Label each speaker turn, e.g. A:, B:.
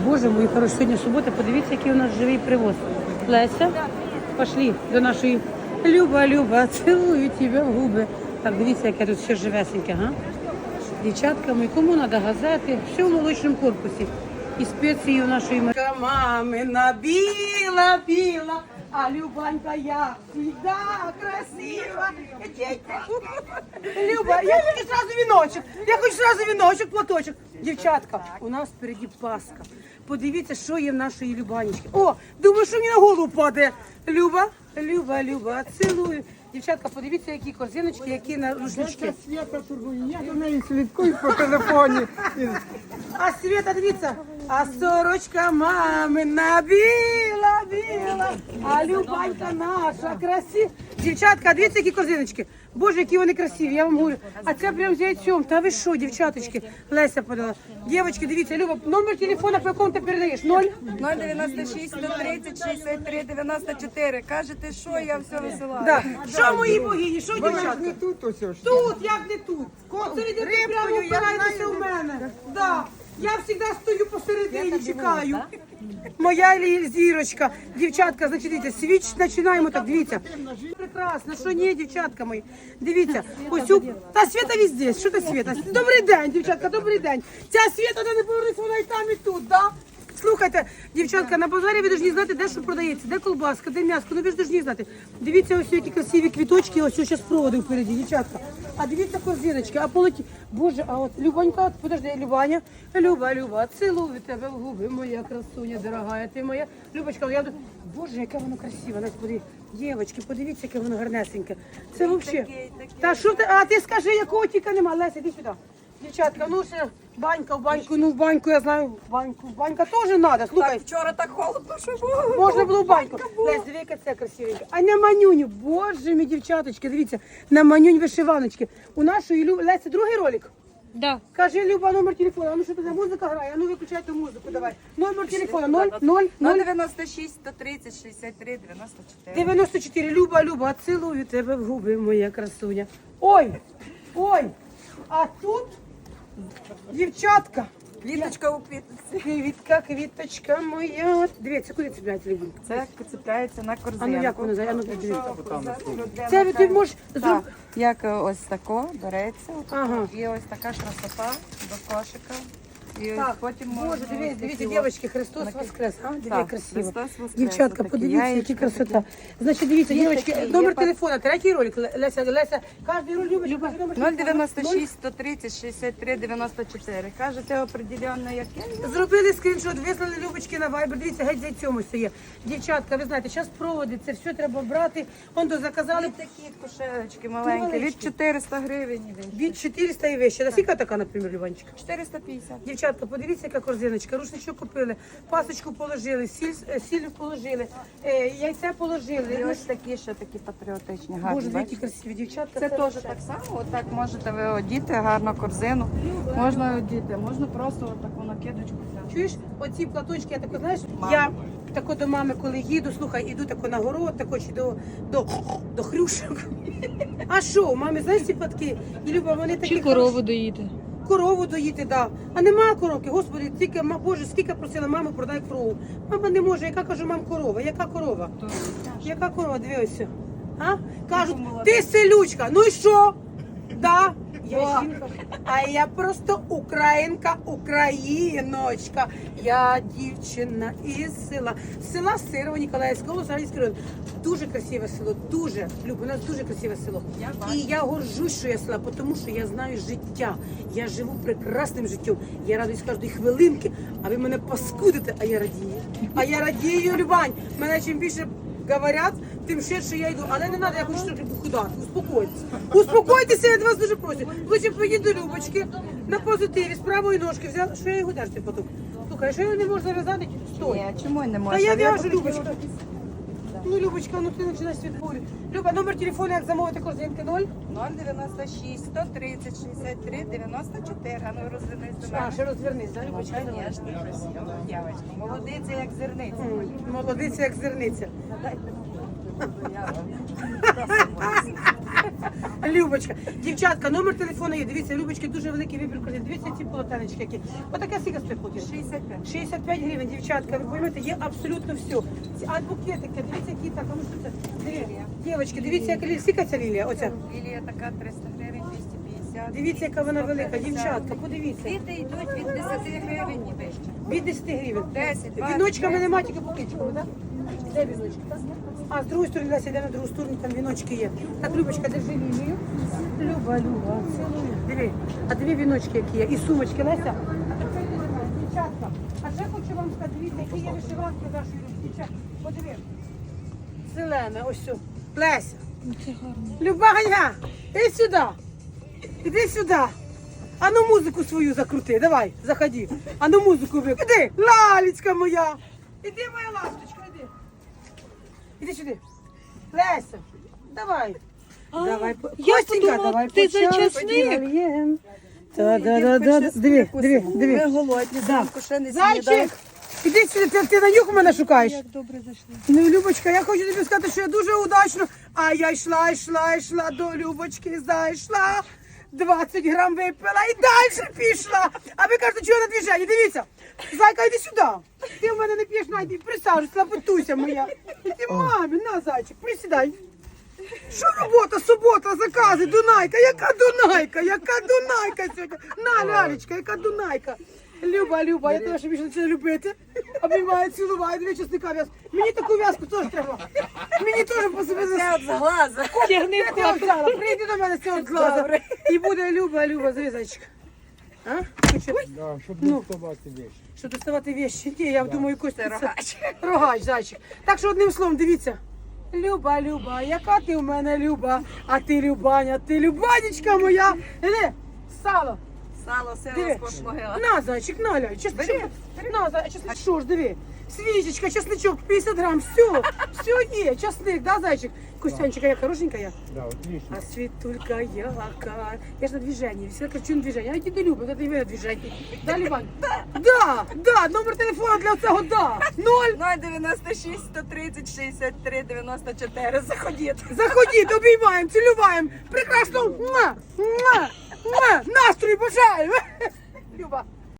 A: Боже мой, хороший, сьогодні субота, подивіться, який у нас живий привоз. Леся, пошли до нашої Люба, цілую тебе в губи. Так, дивіться, яке тут все живесеньке, га? Дівчатками, кому треба газети, все в молочному корпусі. І спеції у нашої мамина біла, а Любанька, я всегда красива. Люба, я хочу сразу віночок, платочок. Дівчатка, у нас впереді Пасха. Подивіться, що є в нашої Любанечки. О, думаю, що мені на голову падає. Люба, цілую. Дівчатка, подивіться, які корзиночки, які на рушнички.
B: Свята турбує, я до неї слідкую по телефоні.
A: А Света, дивіться, а сорочка мамина біла, а Любанька наша красива. Дівчатка, дивіться, які корзиночки. Боже, які вони красиві, я вам говорю. А це прям з яйцем. Та ви що, дівчаточки? Леся подала. Дівчатки, дивіться, Люба, номер телефона, по якому ти передаєш?
C: 096 130 63 94. Кажете, що я все висилаю.
A: Да. Що мої богині, що
B: Вона ж
A: дівчатка?
B: не тут ось ось.
A: Тут, як не тут. Оце йдете прямо впираєтеся у мене. Да. Я завжди стою посередині, чекаю. Моя зірочка. Дівчатка, значить, дивіться, свіч починаємо так, дивіться. Прекрасно, що ні, дівчатка мої. Дивіться, ось у... Та Свята везде, що та Свята? Добрий день, дівчатка, добрий день. Ця Свята, де не повернеться, вона і там, і тут, да? Слухайте, дівчатка, на базарі ви повинні знати, де що продається, де колбаска, де м'яско, ну ви ж повинні знати. Дивіться, ось які красиві квіточки, ось зараз проводи впереді, дівчатка. А дивіться корзиночки, а полеті. Боже, а от Любанька, подожди, Люба, цілую тебе в губи, моя красуня, дорогая, ти моя. Любочка, я... Боже, яке воно красиве, господи. Дівчатки, подивіться, яке воно гарнесеньке. Це взагалі. Та що ти, а ти скажи, якого тільки нема, Леся, іди сюди. Дівчатка, ну ще банька в баньку, ну в баньку, я знаю, банька теж треба, слухай.
C: Так, вчора так холодно, що було.
A: Можна було в баньку. Лесь, диви, яка це красивенька. А на манюню, боже мій, дівчаточки, дивіться, на манюнь вишиваночки. У нашої Лесі другий ролик.
D: Да.
A: Кажи, Люба, номер телефона. А ну що туди музика грає? А ну виключайте музику, давай. Номер телефона
C: 096 130 63 94.
A: 94. Люба, цілую тебе в губи, моя красуня. Ой, а тут дівчатка.
C: Квіточка у квіточці.
A: Квіточка моя. Дивіться, куди цепляється, Любінка?
C: Це цепляється на
A: А ну
C: корзинку.
A: як воно зайде? А ну дивіться. Це ти можеш
C: Так, як ось тако береться,
A: Ага.
C: і ось така красота до кошика. І ось
A: Так,
C: потім
A: Боже,
C: можна
A: дивіться,
C: ось
A: дивіться,
C: такі
A: дівчатки, Христос воскрес, а? Дивіться,
C: Так,
A: красиво.
C: Христос воскрес,
A: Дівчатка,
C: отакі
A: подивіться, які
C: яєчка
A: красота. Значить, дивіться,
C: Є
A: дівчатки,
C: такі,
A: номер
C: є
A: телефона, третій ролик, Леся, кожен ролик любить, кажи номер телефона.
C: 096 130 63 94. Кажете определенно яке?
A: Зробили скріншот, вислали Любочки на Viber, дивіться, геть за цьому все є. Дівчатка, ви знаєте, зараз проводи, це все треба брати, он то заказали
C: Ось такі кушелечки маленькі, від 400 гривень.
A: від 400 і вище. Наскільки така, наприклад, Любанчика?
C: 450.
A: Дівчатка, подивіться, яка корзиночка, рушничок купили, пасочку положили, сіль положили, яйця
C: І
A: положили.
C: ось такі ще такі патріотичні, гарні.
A: Боже, які
C: бачите?
A: красиві дівчатка.
C: Це теж так само, отак можете ви одіти, гарну корзину. Можна одіти, можна просто отаку накидочку взяти.
A: Чуєш, оці платочки, я тако, знаєш, я тако до мами, коли їду, слухай, іду тако на город, тако чи до хрюшок. А що, у мами, знаєш ці платки? І Люба, вони такі
D: Чи корову доїти?
A: Корову доїти, да. А немає коровки, господи, тільки, Боже, скільки просила маму, продай корову. Мама не може, яка, кажу, мам, корова, яка корова? Яка корова, дивися. А? Кажуть, ти селючка, ну і що? Да, я жінка. А я просто українка, україночка. Я дівчина із села Сирова Ніколаївського Сарнівського району. Дуже красиве село, дуже, Люба, у нас дуже красиве село. І я горжусь, що я села, тому що я знаю життя. Я живу прекрасним життям. Я радуюсь кожної хвилинки, а ви мене паскудите, а я радію. А я радію, Любань. Мене чим більше говорять, тим швидше я йду. Але не треба, я хочу трохи похудати. Успокойтесь. Успокойтеся, я від вас дуже прошу. Лучше поїдь до Любочки на позитиві, з правої ножки взяла. Що я його держу потім? Слухай, що я не можу зав'язати? Стой.
C: Ні, чому не
A: Та
C: можна?
A: я в'яжу, Любочка. Ну, Любочка, ну ти починаєш світболі. Люба, номер телефону, як замовити корзинки 0?
C: 096 130 63 94. А ну розвернись до
A: А,
C: мене.
A: ще розвернись, да,
C: Ну,
A: Любочка?
C: звісно, красиво. Дівчинка, молодиця, як зерниця.
A: Молодиця, як зерниця. Любочка. Дівчатка, номер телефону є. Дивіться, Любочки, дуже великий вибір корзин. Дивіться ці полотенечки які. Отаке скільки стоїть платіж?
C: 65.
A: 65 гривень, дівчатка, ви поймете, є абсолютно все. А букетики, дивіться, які так, а ну що це? Дівчатки, дивіться, яка скільки ця лілія, оця.
C: Лілія така 300 гривень, 250.
A: Дивіться, яка вона велика,
C: 150.
A: дівчатка, подивіться.
C: Квіти йдуть від 10 гривень і вище.
A: Від 10 гривень.
C: 10, 20,
A: Віночками
C: 10.
A: нема, тільки букетиками, так? Де віночки? А, з другої сторони, Леся, йде на другу сторону, там віночки є. Так, Любочка, держи лілію. Люба, цілую. Диви, а диви віночки, які є. І сумочки, Леся. А тепер дівчатка. А ще хочу вам сказати, дивіться, які є вишиванки нашої дівчатки. Подиви. Зелене, ось все. Леся. Любаня, іди сюди. Іди сюди. А ну музику свою закрути, давай, заходи. А ну музику виключи. Іди, лалечка моя. Іди, моя ласточка, іди. Іди сюди. Леся, давай. Давай, Костенька, давай
D: ти за
A: початку
D: часник?
A: нальєм. Та-да-да-да. Диви, диви, диви.
C: Ми голодні, зранку ще не
A: Зайчик,
C: снідаємо.
A: іди сюди, ти на нюх мене шукаєш.
D: Як добре зайшли.
A: Ну, Любочка, я хочу тобі сказати, що я дуже удачно. А я йшла до Любочки, зайшла. 20 грам випила і далі пішла. А ви кажете, чого на движенні? Дивіться. Зайка, йди сюди. Ти в мене не п'єш, найди, присаджуйся, лапотуся моя. Іди, мамі, на, зайчик, присідай. Що робота, субота, закази, Дунайка, яка Дунайка, яка Дунайка сьогодні. На, Лялечка, яка Дунайка. Люба, я тебе ще більше почала любити. Обіймаю, цілуваю, дві часника в'яз. Мені таку в'язку теж треба. Мені теж по собі
C: Це от з глаза.
D: Тягни
A: я тебе взяла. Прийди до мене з цього глаза. І буде Люба, зрізачка. А?
B: Да, щоб
A: Ну.
B: не вставати вещи.
A: Що доставати вещи? Ні, я думаю, Костя,
C: Це рогач.
A: Рогач, зайчик. Так що одним словом, дивіться. Люба, яка ти в мене Люба, а ти Любаня, ти Любанечка моя. Іди, сало.
C: Сало,
A: Диви.
C: сило, скош могила.
A: На, зайчик, на, ляй, чесничок. На, зайчик, що ж, диви. Свічечка, чесничок, 50 грам, все є, чесник, да, зайчик? Костянчика, я хорошенька я.
B: Да, отлично.
A: А світулька яка. Я ж на движении, всегда кричу на движении. А иди Люба, это вы на движении. Да, Ливань? Да, номер телефона для цього, да.
C: 096 130 63 94. Заходіть.
A: Заходіть, обіймаємо, цілюваємо. Прекрасно. Настрій бажаємо.